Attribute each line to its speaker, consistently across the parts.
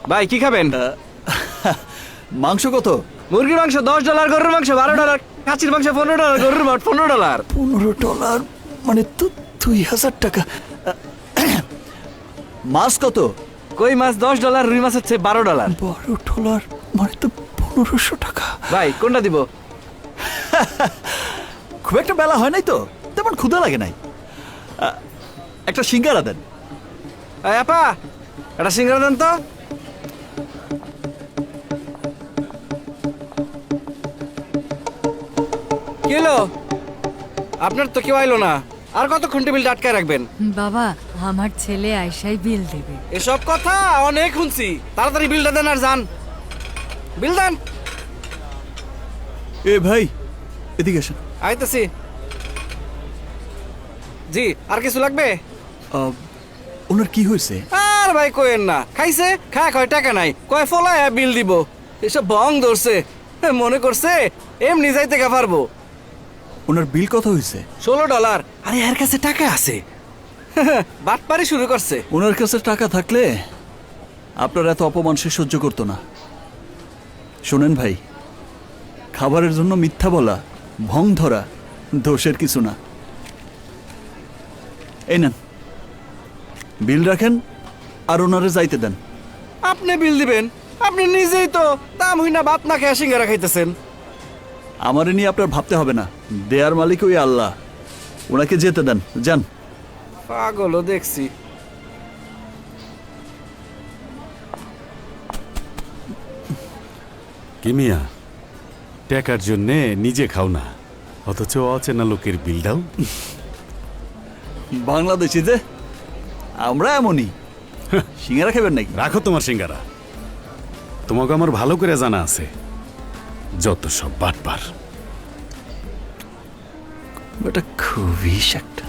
Speaker 1: ভাই কি খাবেন?
Speaker 2: মাংস কত?
Speaker 1: মুরগির মাংস $10, গরুর মাংস $12, খাসির মাংস $15, গরুর মাংস $15।
Speaker 2: $15 মানে তো 2000 টাকা। মাছ কত?
Speaker 1: কই মাছ $10, রুই মাছ হচ্ছে $12।
Speaker 2: $12 মানে তো 1500 টাকা।
Speaker 1: ভাই কোনটা দিব?
Speaker 2: খুব একটা বেলা হয় নাই তো, তেমন ক্ষুধা লাগে নাই। একটা সিঙ্গারা দেন।
Speaker 1: আপা একটা সিঙ্গারা দেন তো। কি হলো? আপনার তো কেউ আইলো না, আর কতক্ষণ টেবিলটা আটকায় রাখবেন?
Speaker 3: বাবা, আমার ছেলে আয়সাই বিল দেবে।
Speaker 1: এসব কথা অনেক শুনছি, তাড়াতাড়ি বিলটা দেন আর যান। বিল দেন।
Speaker 2: এ ভাই এদিকে আসেন।
Speaker 1: আইতেছি। জি আর কিছু লাগবে?
Speaker 2: ওনার কি হয়েছে?
Speaker 1: আর ভাই কোয়েন না, খাইছে খা কয় টাকা নাই, কয় ফলায় বিল দিব। এসব বং ধরছে, মনে করছে এমনি যাইতে গা পারবো।
Speaker 2: ওনার বিল কত হয়েছে?
Speaker 1: $16। আরে এর কাছে টাকা আছে, বাটপারি শুরু করছে।
Speaker 2: ওনার কাছে টাকা থাকলে আপনার এত অপমান সে সহ্য করতো না। শোনেন ভাই, খাবারের জন্য মিথ্যা বলা, ভং ধরা দোষের কিছু না। এই নেন বিল রাখেন আর ওনারে যাইতে দেন।
Speaker 1: আপনি বিল দিবেন? আপনি নিজেই তো দাম হই না ভাত না খেয়ে সিঙ্গারা খাইতেছেন।
Speaker 2: আমারে নিয়ে আপনার ভাবতে হবে না, দেয়ার মালিক ওই আল্লাহ। ওনাকে যেতে দেন, যান।
Speaker 1: পাগলও দেখছি।
Speaker 4: কি মিয়া, টাকার জন্যে নিজে খাও না, অথচ অচেনা লোকের বিল দাও।
Speaker 2: বাংলাদেশি যে আমরা এমনই। সিঙ্গারা খাবেন নাকি?
Speaker 4: রাখো তোমার সিঙ্গারা, তোমাকে আমার ভালো করে জানা আছে যত সব বাটপার।
Speaker 2: এটা খুবই একটা।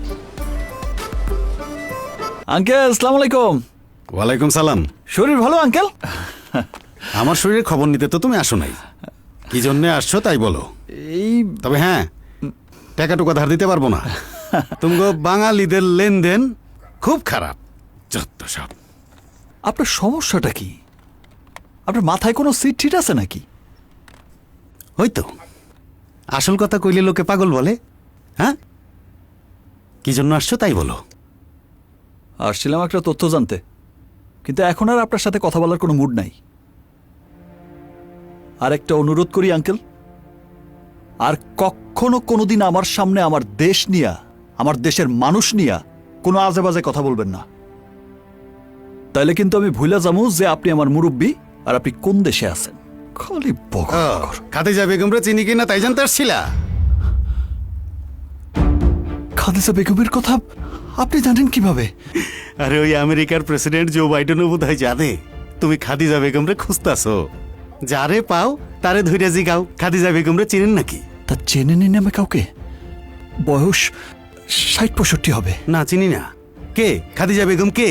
Speaker 2: আঙ্কেল আসসালামু আলাইকুম।
Speaker 4: ওয়ালাইকুম সালাম।
Speaker 2: শরীর ভালো আঙ্কেল?
Speaker 4: আমার শরীরের খবর নিতে তো তুমি আসো নাই, কি জন্যে আসছো তাই বলো।
Speaker 2: এই
Speaker 4: তবে হ্যাঁ, টাকা টুকা ধার দিতে পারবো না। তুমি বাঙালিদের লেনদেন খুব খারাপ, যত সব।
Speaker 2: আপনার সমস্যাটা কি? আপনার মাথায় কোনো সিট ঠিক আছে নাকি?
Speaker 4: ওই তো আসল কথা কইলে লোকে পাগল বলে। হ্যাঁ, কি জন্য আসছো তাই বলো।
Speaker 2: আসছিলাম একটা তথ্য জানতে, কিন্তু এখন আর আপনার সাথে কথা বলার কোনো মুড নাই। আর একটা অনুরোধ করি আঙ্কেল, আর কখনো কোনোদিন আমার সামনে আমার দেশ নিয়া, আমার দেশের মানুষ নিয়া কোনো আজে বাজে কথা বলবেন না। তাইলে কিন্তু আমি ভুলে যাবো যে আপনি আমার মুরব্বী আর আপনি কোন দেশে আছেন। খালি বকা।
Speaker 4: খাদিজা বেগমরা চিনি কিনা তাই জানতে আসছিলা?
Speaker 2: খাদিজা বেগমের কথা আপনি জানেন কিভাবে?
Speaker 4: আরে ওই আমেরিকার প্রেসিডেন্ট জো বাইডেনও বোধ হয় জানে তুমি খাদিজা বেগমরে খুঁজতাছো। যারে পাও তারে ধইরা জিগাও খাদিজা বেগমরে চিনেন নাকি।
Speaker 2: তা চেনে নিন আমি কাউকে? বয়স ৬০-৬৫ হবে।
Speaker 4: না চিনি না। কে খাদিজা বেগম? কে?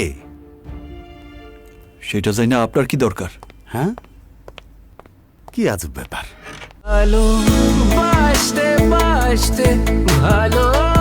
Speaker 2: সেটা জানি না, আপনার কি দরকার?
Speaker 4: হ্যাঁ, কি আজব ব্যাপার।
Speaker 5: ভালো বাসতে বাসতে ভালো